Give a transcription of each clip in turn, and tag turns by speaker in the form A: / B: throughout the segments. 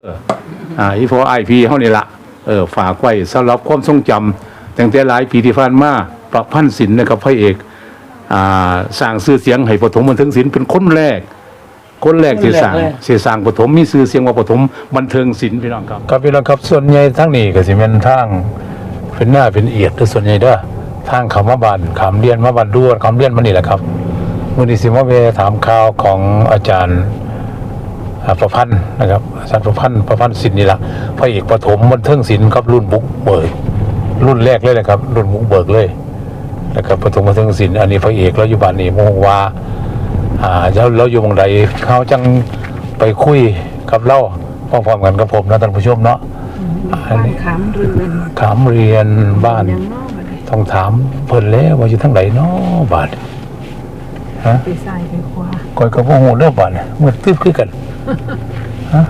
A: อีพอไอพีเฮานี่ล่ะฝากไว้สำหรับความทรงจำตั้งแต่หลายปีที่ผ่านมาประพันธ์ศิลป์นะครับพระเอกสร้างชื่อเสียงให้ปฐมบันเทิงศิลป์เป็นคนแรกที่สร้างปฐมมีชื่อเสียงว่าปฐมบันเทิงศิลป์พี่น้องครับครับพี่น้องครับส่วนใหญ่ทั้งนี้ก็สิเป็นทางเป็นหน้าเป็นเอียดแต่ส่วนใหญ่เด้อทางเขามาบ้านขามเรียนมาบ้านด้วนขามเรียนมานี่แหละครับมื้อนี้สิมาไปถามข่าวของอาจารย์ประพันธ์นะครับอาจารย์ประพันธ์ศิลป์นี่ล่ะพระเอกปฐมบันเทิงศิลป์ครับรุ่นบุกเบิกรุ่นแรกเลยนะครับรุ่นบุกเบิกเลยนะครับปฐมบันเทิงศิลป์อันนี้พระเอกเราอยู่บ้านนี่โมงว่าเราอยู่วงใดเขาจังไปคุยกับเราพร้อมๆกันกับผมนะท่านผู้ชมเนาะขามเรียนบ้านต้องถามเพิ่นแล้วว่าอยู่ทั้งไหนเนาะบ้านฮะไปใส่ไปขวาก่อยกับพวกหูเริ่มบ้านเมื่อตึ๊บคือกันฮะ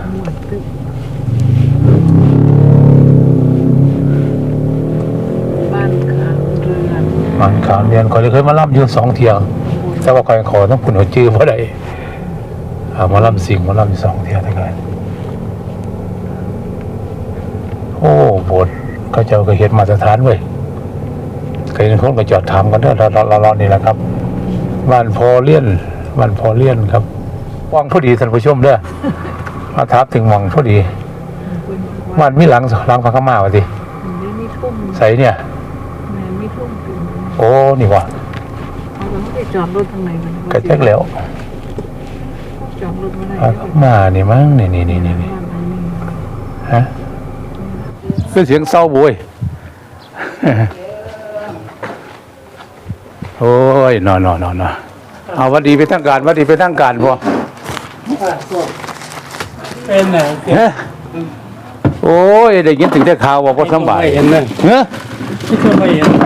A: บ้านขามเรียนก่อยเคยมาล่ำอยู่2 เที่ยงแต่ว่าก่อยขอต้องคุณหัวจื้อเพราะใดมาล่ำสิ่งมาล่ำ2 เที่ยงทั้งนั้นโอ้โบสถ์เขาเจ้าก็เห็นมาตรฐานเว้ยเคยเห็นคนก็จอดถามกันเด้อเรานี่แหละครับบ้านพอเลี่ยนครับวังพอดีท่านผู้ชมเด้อมาถามถึงวังพอดีบ้านมีหลังพระขม่าวะสิใส่เนี่ยโอ้นี่วะจอดรถทางไหนกระแจกแล้วจอดรถมานี่มั้งนี่ฮะเป็นเสียงเศร้าบุยโอ้ยนอนเอาวัดดีไปทั้งการพอ
B: เป็นไง
A: โอ้ยได้ยินถึงได้ข่าวว่าพอสบาย
B: เห็นเลยไม่เห็น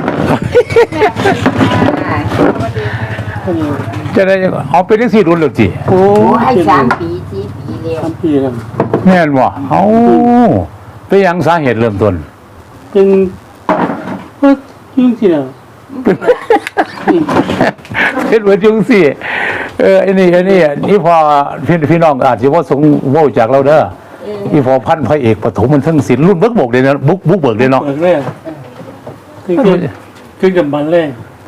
A: จะได้เอาไปได้4 รุ่นหรือจี
C: โอ้ให้3 ปี4 ปีแล้ว
B: 3 ปีแล้ว
A: แม่นบ่เอาไปยังสาเหตุเริ่มต้น
B: เป็นยุ่งสิแล้ว
A: เป็นเหมือนยุ่งสิไอ้นี่พอพี่น้องอาจจะว่าสงโว้จากเราเด้อที่พอพันพระเอกปฐมมันทั้งศิลป์รุ่นบุกเลยนะบุกเบิกเลยเนาะ
B: คือกับมันเลย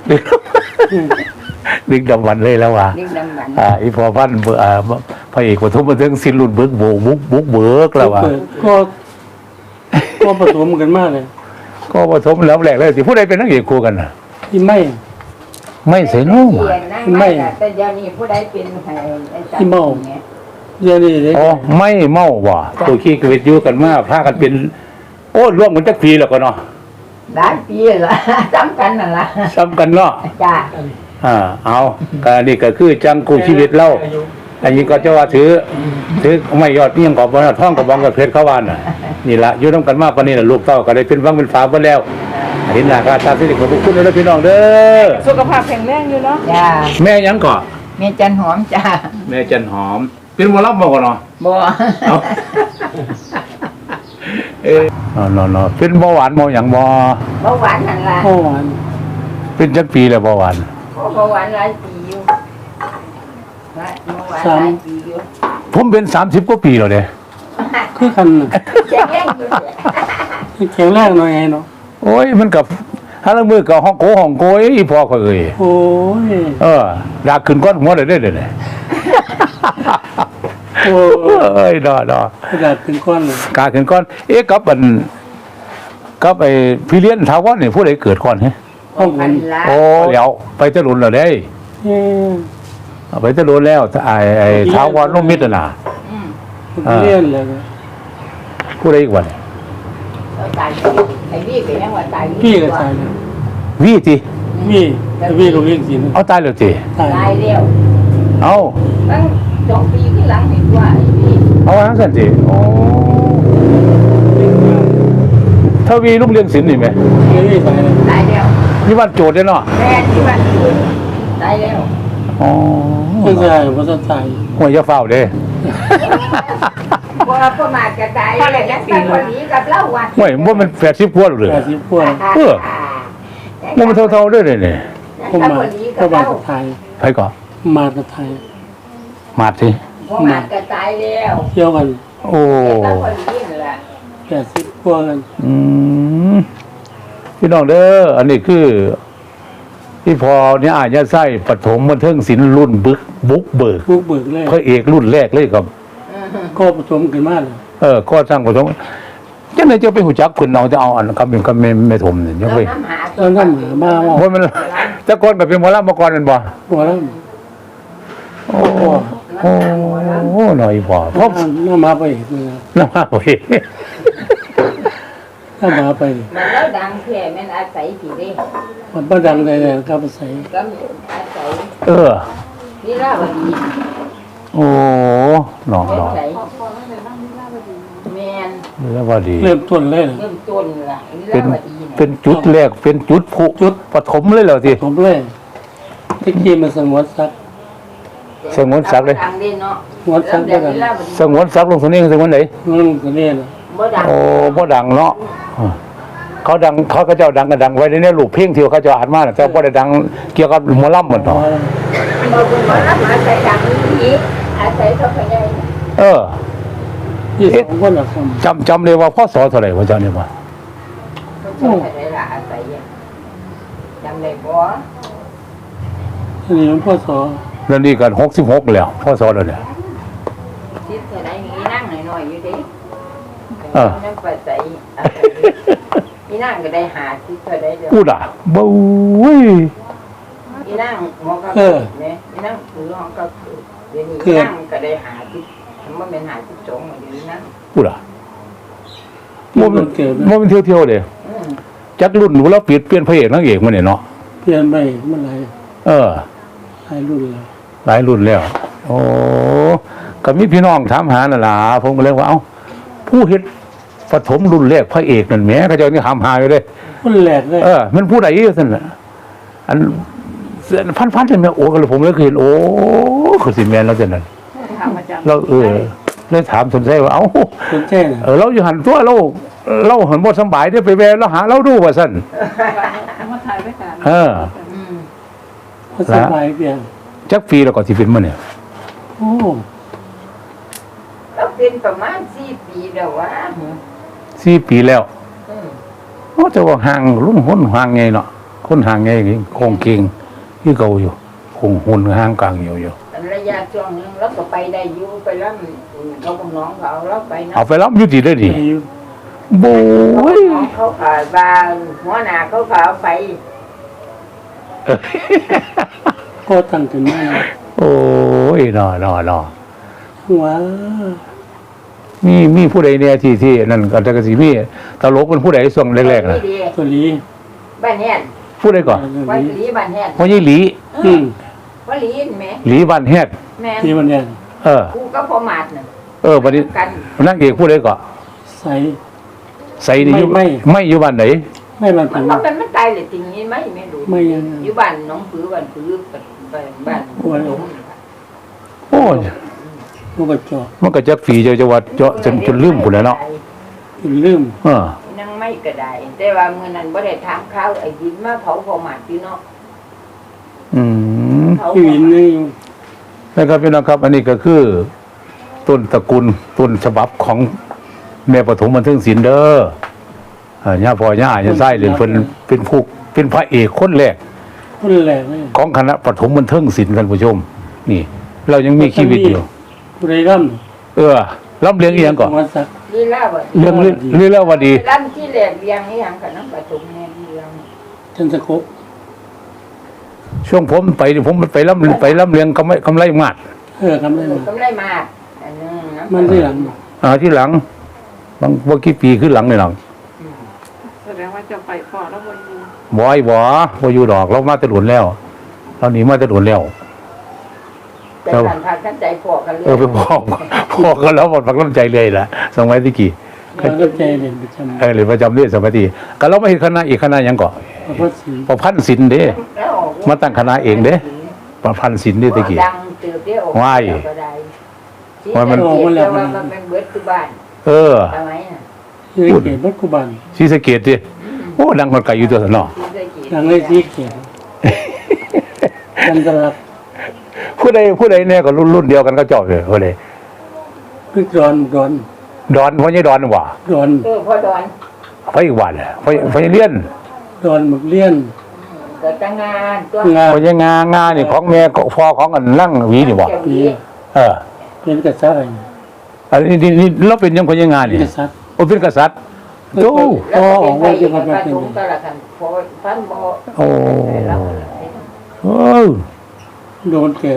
A: ดึกดำวันเลยแล้วว่ะอีพอพันพระเอกปฐมมันทั้งศิลป์รุ่นบุกเบิกแล้วว่ะ
B: ก็ปฐมกันมากเลย
A: ก็ปฐมแล้วแรกเลยสิผู้ใดเป็นนักเอกคู่กันน่ะ
B: ที่
A: ไม่ใส่น้อง
C: ไม่แต่เดี๋ยวนี้ผู้ใดเป็น
B: ที่เมาเดี๋ยวนี้
A: อ๋อไม่เมาว่ะตัวขี้กระเวทอยู่กันมาพากันเป็นโอ้ร่วมกันจักปีแล้วก็เนาะ
C: หลายปีละซ้ำกันนั่นล่ะ
A: ซ้ำกันเนาะ
C: จ้า
A: เอาการนี่ก็คือจังกูชีวิตเล่าอันนี้ก็จะว่าถือไม่ยอดนี่ยังกอบท่องกับบองกับเพชรเข้าวานน่ะนี่ละอยู่ต้องกันมากปานนี้น่ะลูกเต้าก็ได้เป็นฟังเป็นฝาเบิ่แล้วเห็นหน้าค่าตาสิริของทุกคนเลยพี่น้องเด้อ
C: สุขภาพแข็งแรงอยู่เนาะจ้า
A: แม่ยังก่อ
C: แม่จันหอมจ้า
A: แม่จันหอมเป็นหมอลำบ่ก่อนเนาะ
C: บ่
A: เนาะเป็นเบาหวานเบาหยังบ่
C: เบาหวานนั่นล่ะ
B: เบาหวาน
A: เป็นจักปีแล้วเบาหวาน
C: เบาหวานหลายปีอยู่เบาหวานหลายปีอยู่
A: ผมเป็น30 กว่าปีแล้วเด้
B: คือกันแข็งแรงหน่อยเนาะ
A: โอ้ยมันกับฮาละมือกับห้องโกอีพ่อก็เอ่ย
B: โอ้ย
A: ดาขึ้นก้อนหัวได้เด้อโอ้ยดอก
B: กาขึ้นก้อนเลย
A: กาขึ้นก้อนกับไอ้พี่เลี้ยนถาวรนี่ผู้ใดเกิดก่อนฮะ
B: ห้องนั้น
A: โอ้เดี๋ยวไปตะลุนแล้วได้ไปตะลุนแล้วไอ้ถาวรนุ่มมิตรน่ะ
B: เลี้ยนเลย
A: ผู้ใดอีกวัน
C: ไอ้วี่ก็ยังว่าตาย
B: พี่ก็ตาย
A: วี่ติ
B: วี่ก็เลี้ยงสิ
A: เอาตายแล้วติ
C: ตายแล้ว
A: เอา
C: ตั้ง2 ปีที่หลังเห็นว่าไอ้วี่
A: เอาว่าซั่นติอ๋อทวีลูกเลี้ยงศิลป์นี่มั้ย
C: ตายแล้ว
A: นี่บ้านโจทย์เด้เนาะ
C: แม่ที่บ้านโจทย์ตายแล้ว
A: อ๋อ
B: บ่ตาย
A: หัวยาฟ้าวเด้
C: ว่าประมาทกระจายอะไรยังตั้งคนนี้กับเล่าวัน
A: ไม่ว่ามัน80 กว่าเลย
B: 80 กว่า
A: มันเท่าๆด้วยเนี่ย
B: ผมมาไทย
A: ไผก่อน
B: มาไทย
A: มาสิ
C: ประมาทกระจายแล้ว
B: เที่ยวกัน
A: โอ้
C: แต่พอดีนั่นแหละ
B: 80กว่ากัน
A: อืมพี่น้องเด้ออันนี้คือที่พอเนี่ยอาจจะใส่ปฐมบันเทิงศิลป์รุ่นบุกเบิก
B: บุกเบิกเลย
A: พระเอกรุ่นแรกเลยครับ
B: ก็ผสมกันมาเลย
A: ก็สร้างปฐมจังไหนจะไปหูจักคุณเอาจะเอาอันคำเป็นคำไม่ถมเนี่ยยัง
C: เรา
A: ไป
C: น้ำหา
B: ตอนนั้นหามาว่า
A: เพราะมันแต่ก่อนแบบเป็นหมอลำมาก่อนเป็นบ่
B: หัวแล้ว
A: โอ้โหหน่อยบ่เพราะ
B: น้ามาไปอีกเลย
A: น้ำมาโอ้ย
B: น้ามาไป
C: มันแล้วดังแค่แม่นอาศัยผีเด้
B: มันประดังเลยครับใส่
C: ก็อาศัย นี่ล่าวดี
A: โอ้หนอง
C: เล่
A: หน
C: น
A: อง
C: ไหนแมน
A: แล้วว่าดี
B: เริ่มต้นเลย
C: เริ่มต้นล่ะนี่
A: เป็น
C: ล่าวดีนะ
A: เป็นจุดแรกเป็นจุดผุจุดปฐมเลยเหรอที
B: ผมเลยที่กี้มันสงวนสัก
A: สงวนศักดิ์เลย
C: ดังเด่นเนาะ
B: สงวนสัก
C: เริ่
B: ได้
C: ม
B: กั
C: เด่
B: น
C: นล่าวดี
A: สงวนศักดิ์ลงสนี้สงวนไหน
B: นั่นก็เนี่ยนะ
C: บ่ดัง
A: โอ้บ่ดังเนาะเขาดังเขาก็เจ้าดังก็ดังไว้ในรูปเพลงที่เขาเจ้าอ่านมาน่ะแต่บ่ได้ดังเกี่ยวกับหมอลำเหมือนต่อ
C: บ่บุญบ่รับอาศัยดังนี้อาศัยเขาพยาย
B: ที่สองคนละค
A: จำเลยว่าพ่อสอเท่าไหร่ว่าเจ้าเนี่ยว่า
C: เขาชอบอะไรล่ะอาศัยอะจำได้บ่
B: ำอันนี้มันพ่อสอ
A: แล้วนี่กัน66แล้วพ่อสอแล้วเนี่ย
C: คิดเท่าไหร่มีนั่งหน่อยๆอยู่ดิ นั่งปัจจัยอีนั่งก็ได้หาคิดเท่าไหร่เดียว
A: อู้ด่าบ่ย
C: อีนั่งหมอก็เกิดเนี่ยอีนั่งคือห้องก็เกิดเดี๋ยวนี้อีนั่งก็ได้หาคิดมันเป็นหาคิดสองเดี๋ยวนี้นั่ง
A: อู้ด่า
B: ที่
A: บ่
B: มันเกิด
A: มันเที่ยวๆเด้
C: อืม
A: จักรุ่นหนูแล้วเปลี่ยนพระเอกนางเอกมาเนี่ยเนาะ
B: เปลี่ยนไปเมื่อไหร่
A: เออ
B: หลายรุ่นแล้ว
A: หลายรุ่นแล้ว โอ้ก็มีพี่น้องถามหาน่ะล่ะผมก็เลยว่าเอ้าผู้เฮ็ดปฐมรุ่นแรกพระเอกนั่นแหมเขาเจ้านี่ถามหาอยู่เด้
B: คนแรกเลย
A: มันผู้ใดซั่นน่ะอันพันๆจังแม่โอ้ก็เลยผมเลยเคยเห็นโอ้คือสิแม่นแล้วจังนั้น
C: ทำประจำ
A: เราเลยถามสนใจว่าเอ้า
B: สนใจนะ
A: เราอยู่หันตัวเราหันบ่สำบายได้ไปแวะเราหาเราดูว่าซั่น
D: มาถ่ายไว้กัน
A: เออ
C: อืม
B: ภาษาไทยเปลี่ยน
A: จักปีแล้วก็สิเป็นมาเนี่ย
B: โอ้
C: เราเป็นประมาณ4 ปีแล้ววะ
A: 4 ปีแล้ว
C: อืม
A: โอ้แต่ว่าห่างลุ่นหนห่างไงเนาะคนห่างไงคงเก่งคือเก่าอยู่คงหุ่นห่างกลางอยู่
C: ระยะช่วงนึงเราก็ไปได้อยู่ไปรับเขากับน้องเขาเราไปเนาะ
A: เอาไปรับอยู่ดีได้ดี
B: ไปอยู่
A: โบ้ย
C: น้องเขาขายบางหัวหน้าเขาขายไป
B: ก็ตั้งขึ้นมา
A: โอ้ยนอ
B: ว้า
A: มีผู้ใดเนี่ยที่นั่นก็จะกสิมีตลกเป็นผู้ใดส่วงแรกๆน่ะ
B: ตัวนี้
C: บ้านแฮด
A: ผู้ใดก่อน
C: วัดหลีบ้านแฮด
A: พ่อใหญ่หลี
B: อืม
C: วัดหลีเห็นไหม
A: หลีบ้านแฮด
C: แม่น
B: ที่มันเนี่ย
C: กูก็พอมาดน่ะ
A: บัดนี้
C: กัน
A: นางเอกผู้ใดก่อน
B: ใส่
A: ใส่นี่อยู่
B: ไม่
A: อยู่บ้านไหน
B: ไม่มัน
C: มั
B: เป็น น
C: ว่ามันตายเลยจริงนี้ไหมไม่รู้
B: ไม่ยัง
C: อยู่บ้านน้องผือบ้านผือบ้าน
B: โอ้ย
C: หลง
A: โอ้ย
B: มันก็จอ
A: มันก็จักฝีจะว่าเจาะจนลืมพุ่นแหล้วเนาะ
B: กินลืม
C: นั่งไม่ก็ได้แต่ว่ามื้อนั้นบ่ได้ถามข้าวไอ้ดินมาเผาพอมาดอยู่เนาะ
A: อืม
C: เผา
B: ที่วินนี่
A: นะครับพี่น้องครับ อันนี้ก็คือ ต้นตระกูลต้นฉบับของแม่ปฐมบันเทิงศิลป์เด้อย่าพ่อย่าอาจะไส้เลยเป็นผู้เป็นพระเอกคนแรก
B: คนแรกเลย
A: ของคณะปฐมบันเทิงศิลป์ท่านผู้ชม นี่ เรายังมีชีวิตอยู่
B: ผู้ใดร่
A: รับเลี้ยง
B: ำ
A: เอียงก่อน
B: วันสัก
C: ลีลาบ่
A: เรื่องเรื่องว่าดี
C: ร้านที่แหลกเรียงนี่หยังกับน้ำปฐมแน่เรียง
B: จันทคบ
A: ช่วงผมไปนี่ผมไปรับเลี้ยงกำไรมาก
B: ทำได้มา
C: ก็ไม่ได้มาอันนึงนะ
B: มันที่หลัง
A: ที่หลังบางกี่ปีขึ้นหลังในหลัง
D: แสดงว่าจะไปพอแล้ววันนี้
A: บ่อยู่ดอกเรามาแตะหลุนแล้วเราหนีมาแตะหลุนแล้ว
C: แต่การพากันใจพอกันเลย
A: ไปพ่อก็แล้วหมดฝักน้ำใจเลยล่ะสมัยที่กี่
B: มันก็ใจเด่นประจำ
A: หรือประจำเรื่อยสมัยที่ก็เราไม่เห็นคณะอีกคณะหยังก่อ
B: พระศรี
A: ประพันธ์ศิลป์เด้
C: แล้วออก
A: มาตั้งคณะเองเด้ประพันธ์ศิลป์เด้ตะกี้
C: ดังเติบเดียว
A: ว้าย
C: ก็ได้
A: ว่ามัน
C: แต่ว่ามันเป็นเบิดคือบ้าน ทำไมน่ะ
B: ที่เกียรติวัดกุบัน
A: ศรีสะเกษดิโอ้ดังคนไกลอยู่ตัวสนอ
C: ที่ได้กิน
B: ทางเลยที่เกียรติจันทรักษ์
A: ผู้ใดเนี่ยก็รุ่นเดียวกันก็เจาะเลยผู้ใด
B: พิกรอน
A: ดอนพ่อใหญ่ดอนว่ะ
B: ดอน
C: พ่อดอน
A: พ่ออีกวันพ่อใหญ่เลี้ยน
B: ดอนหมึกเลี้ยน
C: เกิดตั้งงานตัว
B: งาน
A: พ่อใหญ่งานี่ของแม่พ่อของอันนั่งหวีนี่บ่
C: เจ้าหวี
A: เออ
B: เป็นกษัตริย์
A: อันนี้เราเป็นยังพ่อใหญ่งานี่
B: กษัตริย์
A: โอ้เป็นกษัตริย์โต
C: แล้วก็เป็นไปอีกประทุมตละกันพอพันบ่
A: โอ้
C: แล้ว
A: โอ้
B: โดนเก็บ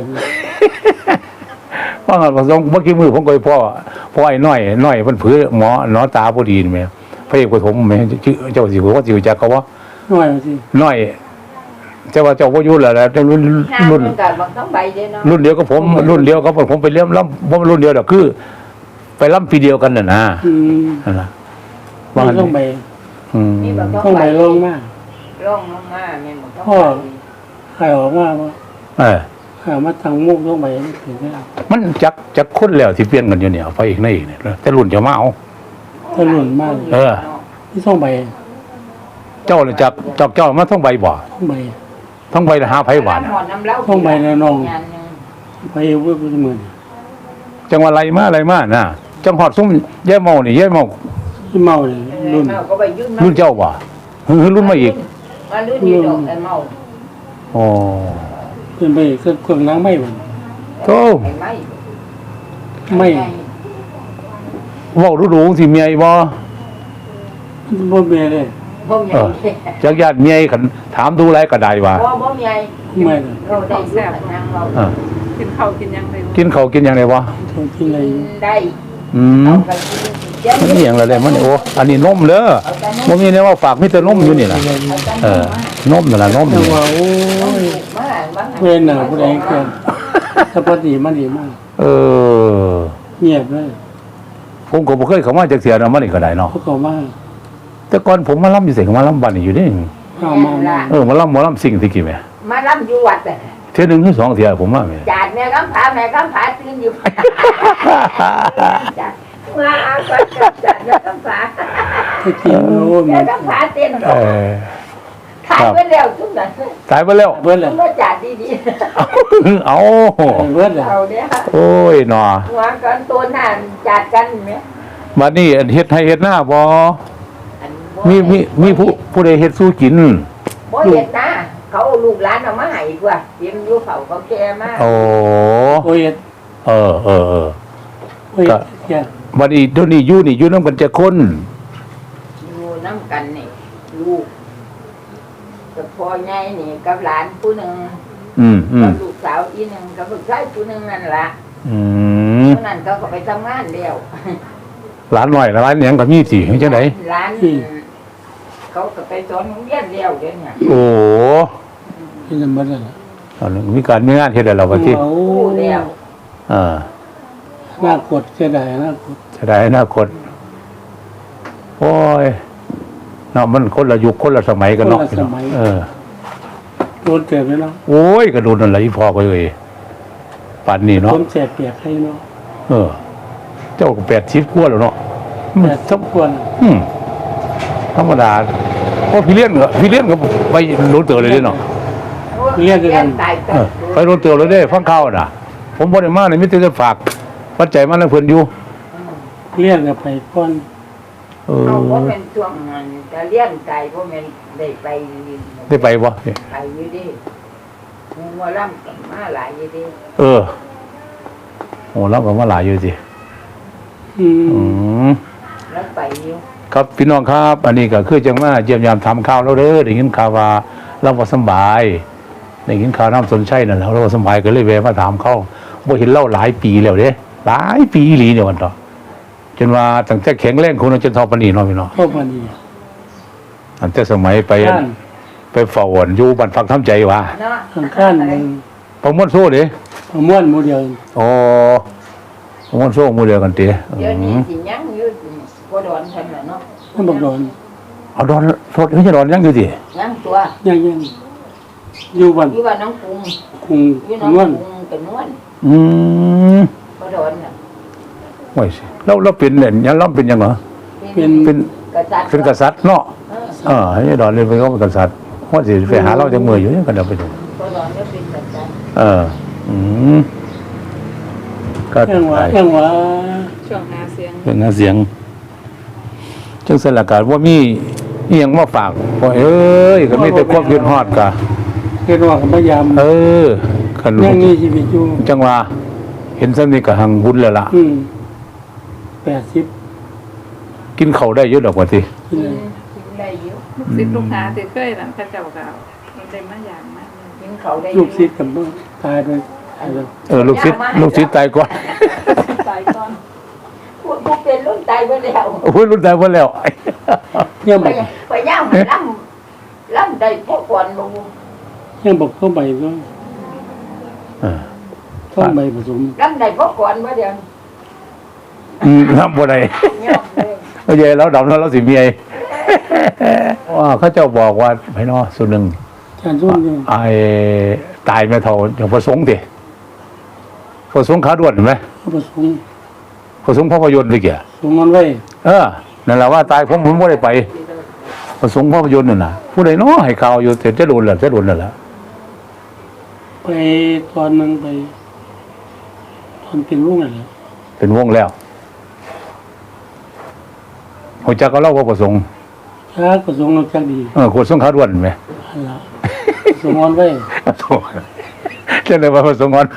A: ว่างั้นว่าเมื่อกี้มือผมก็ไปพ่อไอ้น้อยเพิ่นผือหมอหนอตาบ่ดีนี่แม่พระเอกปฐมแม่ชื่อเจ้าสิว่าสิรู้จักเขาว่า
B: หน่อยสิ
A: น้อยแต่ว่าเจ้าบ่อยู่แล้วแหละแต่รุ่น
C: ห้า
A: รุ่น
C: มันกับบางต้องใบเด้เนาะ
A: รุ่นเดียวกับผมรุ่นเดียวกับผมไปเลี้ยมล้ำผมรุ่นเดียวดอกคือ ไปล้ำปีเดียวกันน่ะนะ
B: อืม
A: นั่นล่ะ
B: ไม่ต้องไป
A: อืม
C: นี่บางต้
B: ต้
C: อ
B: อง ง
C: ใบ
B: ไปลงมาก
C: ร่องลงมาแม่นบ่ต้อง
B: พ่อ
C: ใบ
B: ใครออกมาว่า
A: เออ
B: ใครมาทางมุกต้องไปถึงได้
A: มันจักคนแล้วที่เปลี่ยนกันอยู่เนี่ยไปอีกในอีกเนี่ยแต่รุ่นจะมาเอา
B: ถ้าหล่นมาก
A: เออ
B: ที่ต้องไป
A: เจ้าเลยจักเจ้ามาท่องใบบ่
B: ต้องไป
A: ท่องใบละ5ไผหวาน
C: หมอนน้ำเหล้า
B: ต้องใบในน่อง
C: งานหนึ่ง
B: ไปเว้ยเป็นหมื่น
A: จังว่าไรมาน่ะจังหอดซุ่มแย่เมานี่แย่เมา
B: ที่เมาเลยรุ่น
C: เมาก็ไปยื่น
A: รุ่นเจ้าบ่รุ่นมาอีก
C: มารุ่นนี้ดอกไอ้เมา
A: อ๋อ
B: เป็นไปเครื่องล้างไม่หมด
A: โต
C: ไอ้ไม้
B: ไม่
A: เว้าดูๆสิเมียอีบ่
B: บ่เมียเลย
C: บ่มี
A: เออจักญาติเมียขันถามดูไรก็ได้ว่า
C: บ่มี
B: ไม่เลย
C: เราได้แซ่บนางเรา
A: เออ
D: กินข้าวกินยังไง
A: กินข้าวกินหยังไงวะ
B: เขาที่ไหน
C: ได้
A: อืม
C: เอาไปกิน
A: มันนี่หยังละได้มันนี่โอ้อันนี้นมเด้อบ่มีแนวว่าฝากมีแต่นมอยู่นี่ล่ะเออนมนั่นล่ะนม
B: แต่
A: นี่
B: ว่าโอ้ย
C: มา
B: เพื่อนน่ะผู้ใดเกินถ้าปฏิมันดีมาก
A: เออ
B: เงียบเลย
A: ผมก็บ่เคยเข้ามาจักเที่ยนะมันนี่ก็ได้เนาะ
B: เขาก็มา
A: แต่ก่อนผมมาลํอยู่ไสก็มาลํบ้านนี่อยู่นี่
B: ข้ามา
A: มาลํหมอลํสิ่งที่กี่แม่
C: มารับอยู่วัดแต่
A: เที่ยหนึงหรือสองเที่ยผมมาแม่
C: จาดแม่กำผาตื่นอยู่จาดมาก็จาดแม่กำผา
B: ถ้ากินโอ้ย
C: แม่กำผาเต้น
A: เออ
C: ถ่ายไปแล้วทุกนั้น
A: ตายไปแล้ว
B: เบิดเลย
C: มาจาดดี
A: เอา
B: เบิดเลย
C: ๆเอาเนี่ย
A: โอ้ยหนอ
C: หัวกันตัวหน้าจาดกันไหม
A: บัดนี้เฮ็ดให้เฮ็ดหน้าบ่มีผู้ใดเฮ็ดสู้กิน
C: บ่เห็ดนะเขาลูกหลานเอามาให้กว่าเตรียมอยู่เขาแก่มาก
A: โอ้
B: โอ้ย
A: เออ
B: โอ้ยแก่
A: บัดนี้เดี๋ยวนี้อยู่นำกันจะคน
C: อยู่น้ำกันนี่ลูกกับพ่อใหญ่นี่กับหลานผู้หนึ่ง
A: อืม
C: กับลูกสาวอีหนึ่งกับลูกชายผู้หนึ่งนั่นละ
A: อืม
C: ผู้นั้นเขาก็ไปทำงานแล้ว
A: หลานน้อยหลานหยังก็มีสิจังได๋
C: หลานเขาก็ไปสอนโรงเรียนแล้วเดี๋ยวนี้
A: โอ้
B: ที่จะเบิดเลย
A: ตอนนี้มีการมีงานเฮ็ดแล้วล่ะว่าที่
B: โอ้
C: ผู้แล้ว
B: น่ากดเสียดายน่ากด
A: จะได้อนาคตโอ้ยเนาะมันคนละยุคคนละสมัยกันเนาะพี่น้องเออ
B: โดนเจ็บเลยเนาะ
A: โอ้ยก็โดนนั่นแหละอีพ่อก็เลยป่านนี้เนาะ
B: ผมเจ็บเปียกให้เนาะ
A: เออ เจ้าก็80กว่าแล้วเนาะ
B: แต่ทุกคน
A: ธรรมดาเพราะพี่เลี้ยนก็ไปโดนเตือนเลยเด้เนาะ
C: ตาย
A: เออไปโดนเตือนเลยเด้ฟังข่าวน่ะ ผมบ่ได้มานี่มีแต่จะฝากปัจจัยมาให้เพิ่นอยู่
B: เลี้ยงกับไปก้อน
A: เออ
C: เอาว่าเป็นช่วงนั้นจะเลี้ยงไก่เพราะมันได้ไป
A: ได้ไปบ่
C: ไปอยู่ดิมัวล่ำกับมาหลายอยู่ดิ
A: เออโอ้เราก็มาหลายอยู่สิ
B: อื
A: อื
B: ม
A: ม
C: แล้วไปอยู่
A: ครับพี่น้องครับ อันนี้ก็คือจังมาเยี่ยมยามทำข่าวแล้วเด้อได้ยินข่าวว่าเราบ่สำบายได้ยินข่าวน้ำสนชัยนั่นแหล้วเราบ่สำบายก็เลยแวะมาถามเขาบ่เห็นเล่าหลายปีแล้วเด้หลายปีอีหลีเนี่ยวันต่อจนว่าตั้งแต่แข็งแรงคนจนทอปานนี้เนาะพี่น้อง
B: เข้ามาดี
A: อันแต่สมัยไป
B: ข้าน
A: ไปเฝ้าอ่อนอยู่บ้านฟังทำใจว่า
C: เนาะ
B: ข้างหนึ่ง
A: ประมวลโซ่เด้
B: ม้วนโมเดล
A: อ๋อประมวลโซ่หมู่เดียวกันติ
C: เดี๋ยวนี้สิยังอยู่พอดอนทันเนาะ
B: ท่านบอกโดน
A: เอาดอนโทษไม่ใช่ดอนยังอยู่สิ
C: ยังตัว
B: ยังอยู่บ้าน
C: อยู่ว่าน้องกรุง
B: คุง
C: อยู่น้อง
B: ม้วน
C: กรุงเป็นนวล
A: อืม
C: พอดอนน่ะ
A: โอ้ยสิเราเป็นเนี่ยยังเราเป็นยังเหรอ เป็น
C: กษัตริย์
A: เป็นกษัตริย์เนาะให้ดอนเลยเป็นเขาเป็นกษัตริย์ว่าสิไปหาเราจากมืออยู่เนี่ยกันเดี๋ยวไปดู
C: พอดอนก็เป็นกษัตริย์
A: เออ อืมก็
B: ยังว่า
A: ตาย
B: ยังว่า
D: ช่วงหาเสียง
A: เรื่องหาเสียงจังสลักการว่ามีนี่ยังมาฝากว่าเอ้ยก็มีแต่ความยืนฮอดกะ
B: เฮ็ดว่าก็พยายาม
A: คัน
B: ยังมีชีวิตอยู่
A: จังว่าเห็นซ้ำนี่ก็หังบุญแล้วล่ะ
B: 80
A: กินข้าวได้เยอะดอกว่าสิ
B: กินเลย
C: กินได้อยู่
D: ลูกศิษย์ลูกหาที่เคยนั่นพระเจ้าก็เอามันได้มาอย่างมากเลย
C: กินเขาได้
B: ลูกศิษย์กับบ่ตายด้วยตายแล้ว
A: ลูกศิษย์ตายก่อน
D: ตายก่อน
C: ผู้เป็นรุ่นตายไปแล้ว
A: โอ้ยรุ่นตายหมดแล้ว
B: ยัง
C: ไป
B: บอก
C: ไปย่างมันล่ำได้พวกก่อนลง
B: ยังบอกเข้าใบก็
A: เออ
B: เข้าใบผสม
C: ล่ำได้พวกก่อนมาเดียว
A: ทำบ่ได้
C: ย่อมเลย
A: ไม่ใช่แล้วดำแล้วเราสิเมียว่าเขาเจ้าบอกว่าไผเนาะส่วนหนึ่ง
B: จานส้นอยู่
A: ไอ้ตายไม่เท่าอย่างประสงค์ดิประสงค์ขาด่วนเห็นไหม
B: เขาผสม
A: ประสงค์ภาพยนตร์เลยเกี่ย
B: สมมันไว้
A: นั่นแหละว่าตายผมไม่ได้ไปประสงค์ภาพยนตร์นั่นน่ะผู้ใดเนาะให้ข่าวอยู่แต่จะโดนแหละจะโดนนั่นแหละ
B: ไปตอนนึงไปตอนเป็นลูกอะไร
A: เป็นวงแล้วหัวจักก็เล่าว่าประสงค์
B: ชาผสมเราจักดี
A: ขวดสงขาด่วนไหม
B: อันละสมมันไว้
A: โถ่เจ้าเลยว่าประสงค์งอน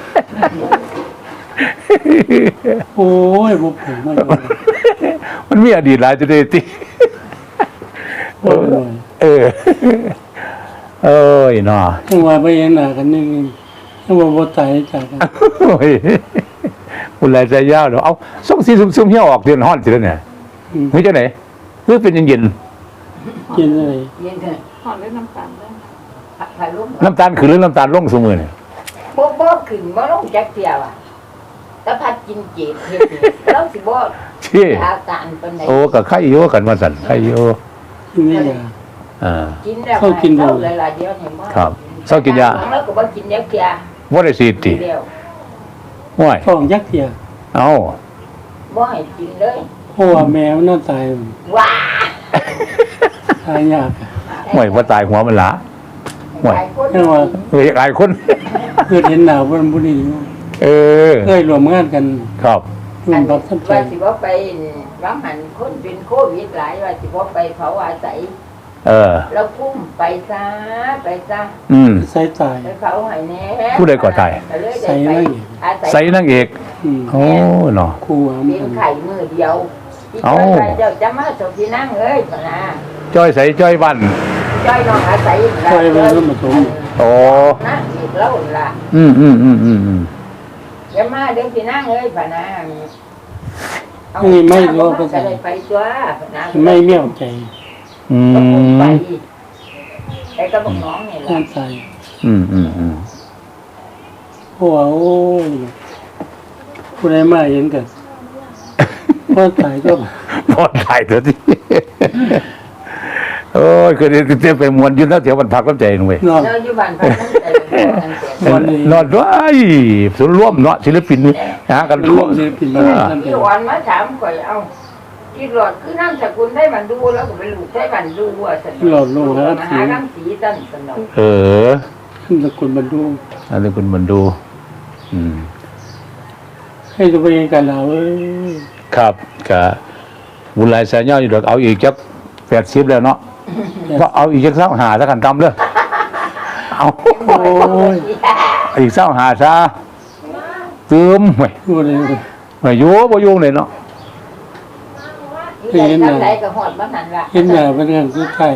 B: โอ้ยบุกผมมาอยู่
A: มันมีอดีตหลายจะได้ติ
B: โอ้ยเลย
A: เออ เอ้ยเนาะ
B: ยังว่าไปเห็นหน้ากันนี่ยังว่าบ่ตายจากกัน
A: โอ้ยคุณลายใจยาวเนาะเอาส่งสีซุ่มๆเหี่ยวออกเดือนฮ้อนสิแล้วเนี่ย
B: อืม
A: เฮ้ยจังไหนคือเป็นเย็น
B: กินอะไร
C: เย็นเถอะ
D: หอนเล่นน้ำตาลเลย
C: ถ่ายรูป
A: ๆน้ำตาลขึ้นหรือน้ำตาลลงซุมื้อเนี่ย
C: บ่ขึ้นบ่ลงจักเที่ยวอ่ะแต่พัดกินเจ็ดเฮ็ดนี่เราสิบ่
A: ที่
C: อาการปานใด
A: โอ้ก็ไข่อยู่กันว่าซั่นไข่อยู่
B: กินนี่ยา
A: อ่า
C: กินแล้ว
B: เข้ากินบ่
C: เข้าหลายๆเดียวเนี่ยบ่
A: ครับเศร้ากินยา
C: แล้วก็บ่กินยาเที่ย
A: บ่ได้ฉีดติ
C: เดียว
A: โอ้ย
B: ท้องยักษ์เทีย
A: เอ้า
C: บ่ให้กินเลย
B: เพราะว่าแมวน่าตาย
C: ว้า
B: ตายยาก
A: ห่วยบ่ตายหัวมันละห่วย
C: หลายคน
B: ยังว่า
A: เฮ้ยหลายคน
B: เกิดเห็นหน้าวันบุรีอยู่
A: เออ
B: เคยรวมงานกัน
A: ครับ
B: รุ่นบักท่านไป
C: ว่าสิบ่ไปว่าหันคนเป็นโควิดหลายว่าสิบ่ไปเผาอาศัย
A: เออ
C: แล้วคุ้มไปซะไปซะ
A: อืม
B: ใส่ตาย
C: ไปเผาให้แน่
A: ผู้ใดก่อตาย
C: ก็เลย
B: ใส่
C: ได้
B: นั่
C: ไป
B: งอีก
C: อาศัย
A: ใส่นางเอก
B: อืม
A: โอ้เนาะ
B: ครูหาม
C: เป็น
B: กัน
C: ไข่มือเดียวที่
A: เอ้า
C: จ้อยว่าเจ้าจะมาสมที่นั่งเอ้ยปะนะ
A: จ้อยใส่จ้อยบ้าน
C: จ้อยน้องอาศัย
B: ใส่ไว้แล้วมาสม
A: โอ้
C: นั่งอีกแล้วล่ะ
A: อืมอืมอืมอืมอืม
C: จะมาเดี๋ยวที่นั่งเอ้ยปะนะเอา
B: นี่ไม่รู้
C: ก็
B: ภาษา
C: ได้ไปตัวปะนะ
B: ไม่เมี่ยวใจ
A: อื
C: ก็คงไป
A: ม
C: ไอ้กระบอกน้องนี่แหละ
B: งานตาย
A: อืมอืมอืม
B: เพราะว่าโอ้ยผู้ใดมาเห็นกันพ่อตายก็
A: พอถ่ายตัวที่โอ้ยคือเต็มไปมวนอยืนแล้วเถียวมันพักน้ำใจหน่อย
B: นอน
C: เราอยู่บ้านพักนั้นแต่ละคนแต่
B: วันนี้
A: นอนด้วยส่วนย์ร่วมเนาะศิลปินหากัน
B: ร่วมศิลปินมาท่าน
C: ที่
B: เป็น
C: วันมาถามก่อยเอาที่หลอดคือน้ำสกุลได้บันดูแล้วก็ไปลูกได้บันดูว่าสนุก
B: หลอดลูกครับ
C: มาหาน้ำสีตันสนุก
A: เออ
B: ขึ้นตะกุลบรรดู
A: อันนี้คุณมันดู อืม
B: ให้จะไปกันเราเอ้ย
A: ครับกะบุญหลายแสนย่ออยู่ดอกเอาอีกจัก80แล้วเนาะก็เอาอีกจักหาซะกันตำเลยเอา
B: โอ้ย
A: อีกหาซะตืมเว้ย
B: พูดเลย
A: ไม่อยู่บ่อยู่เลยเนาะ
C: ที่ไหนทำไรก็หอดมาหันละ
B: เห็นหน้าเป็นงานสุดท้าย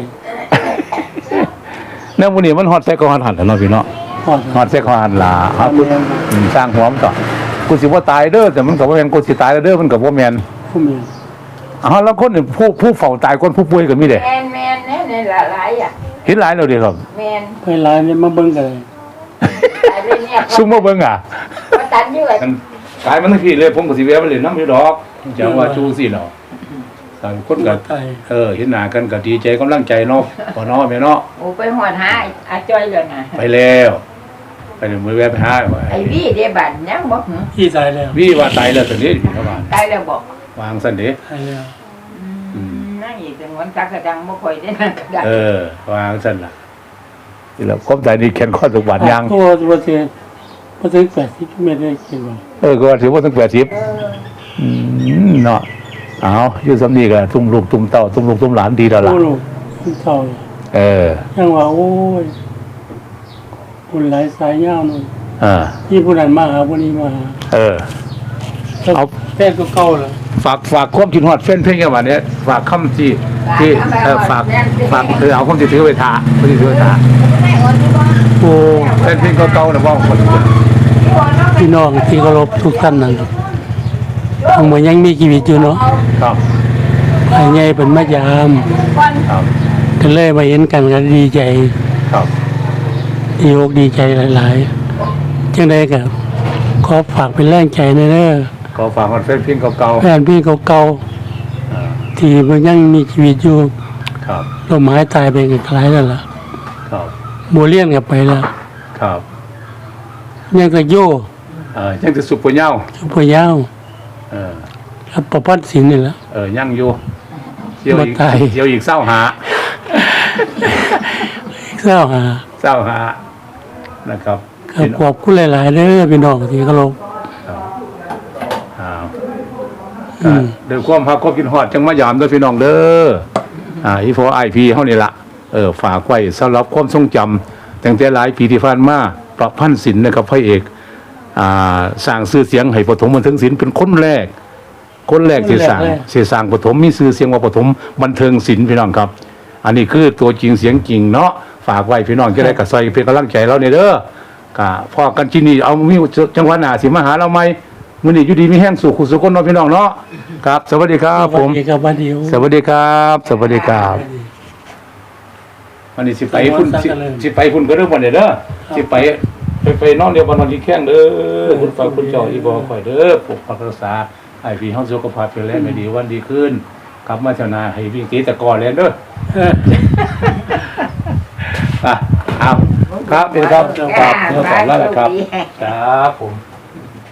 A: แนวมื้อนี้มันฮอดใส่ก็ฮอดหันแล้วเนาะพี่เนาะ
B: พอด
A: ฮอดใส่ก็ฮอดล่ะครับสร้างหัวมันต่อกูสิบ่ตายเด้อแต่มันก็บ่แม่นกูสิตายแล้วเด้อมันก็บ่แม่น
B: ผู้เมีย
A: แล้วคนนี่ผู้เฝ้าตายคนผู้ป่วยก็มีเด้
C: แมนเนี่ยหลายอ่ะ
A: เห็นหลายแล้วเด้ครับ
C: แมน
B: ไปร้านเนี่ยมาเบิ่งกันเลย
C: ตายเลยเนี่ย
A: ซุ่มมาเบิ่งอ่ะ
C: มาตันอยู่ไอ้
A: กายมันทั้งที่เลยผมก็สิแวะมาเล่นน้ำอยู่ดอกจังว่าชูสิเนาะต่างคนก็
B: ตาย
A: เห็นหน้ากันก็ดีใจกำลังใจเนาะบ่เนาะแม่เนาะ
C: โอ้ไปหอดหาอาจ้อยเลยนะ
A: ไปแล้วไปเดี๋ยวมื้อแวะไปหาว่า
C: ไอ้วี่เดียบันยังบอกหือ
B: พี่ตายแล้ว
A: พี่ว่าตายแล้วซั่นเด้พี่เขาว่า
C: ตายแล้วบอก
A: วางซั่นเด้
B: ตายแล้ว
C: นั่งอีกแต่วันจักกระดังบ่ค่อยได้นั่งกระดัง
A: วางซั่นล่ะนี่แหละความตายนี่แขนข้อทุกบาดยาง
B: ตัวเสียพอถึง80 เมตรได้กินบ่
A: ก็ถือว่าตั้ง80
C: เออ
A: เนาะเอาอยู่สำนีกันตุ้มลูกตุ้มเต้าตุ้มลูกตุ้มหลานดีแล้วล่ะ
B: โอ้ลูกคุณเฒ่า ยังว่าโอ้ยคนหลายสายยาวนู่น ที่ผู้นั้นมาหาผู้นี้มาหา เอา แท้ก็เก่าแล้ว
A: ฝากความคิดฮอดแฟนเพลงกันวันนี้ฝากคำที่ฝากเอาคำที่ถือไว้ทาคำที่ถือไว้ทา
C: แม่อดที่บ่
B: โอ้
A: แฟนเพลงเก่าๆนะว่าคน
B: พี่น้องที่เคารพทุกท่านนั่นทั้งหมดยังมีชีวิตอยู่เนาะ
A: ครับ
B: ภายในเป็นมายาม
A: ครับ
B: ก็เลยมาเห็นกันก็ดีใจ
A: ครับ
B: ดีอกดีใจหลายๆจังไดก็ขอฝากเป็นแรงใจในเด้อ
A: ขอฝากแฟนเพลงเก่า
B: แฟนพี่เก่าๆที่มันยังมีชีวิตอยู่
A: ๆครับ
B: ลมหายตายไปกันคล้ายแล้วล่ะ
A: ครับ
B: โมเลียนกันไปแล้ว
A: ครับ
B: ยังก็โย
A: ยังจะสุปเปอร์เน่า
B: สุปยาว
A: เออ
B: รับประพัดสินนี่แหละ
A: ยังอยู่เที่ยวอีก
B: บ่ตาย
A: เที่ยวอีกเศร้าหา
B: เศร้าหา
A: เศร้าหานะครับ
B: ก็ขอบคุณหลายๆเด้อพี่น้องที่เคารพ
A: อ้าวเดี๋ยวความพักความกินฮอดจังมายามเด้อพี่น้องเด้ออีโฟไอพีเฮานี่ล่ะฝากไว้สำหรับความทรงจำตั้งแต่หลายปีที่ผ่านมาประพันธ์ศิลป์นะครับพระเอกสร้างชื่อเสียงให้ปฐมบันเทิงศิลป์เป็นคนแรกที่สร้างปฐมมีชื่อเสียงว่าปฐมบันเทิงศิลป์พี่น้องครับ อันนี้คือตัวจริงเสียงจริงเนาะฝากไว้พี่น้องจะได้กระซอยเป็นกำลังใจเราเนี่ยเด้อกะพอกันที่นี่เอามีจังหวัดหน้าสิมาหาเราไหมมื้อนี้อยู่ดีมีแห้งสู่ขุสุคนเนาะพี่น้องเนาะครับ สวัสดีครับผม
B: สวัสดีครับวันเดียว
A: สวัสดีครับ สวัสดีครับวันนี้สิไปพุ่นสิไปพุ่นก็เรื่องวันนี้เด้อสิไปนอนเดียววันที่แข้งเด้อคุณฝากคุณเจ้าอีบ่ค่อยเด้อปกปักรักษาให้พี่เฮาสุขภาพแข็งแรงให้ดีวันดีขึ้นกลับมาเท่านาให้วิ่งตีตะกอนแล้วเด้อ ครับเป็นครับครับเนื้อสอนแล้วแหละครับครับผม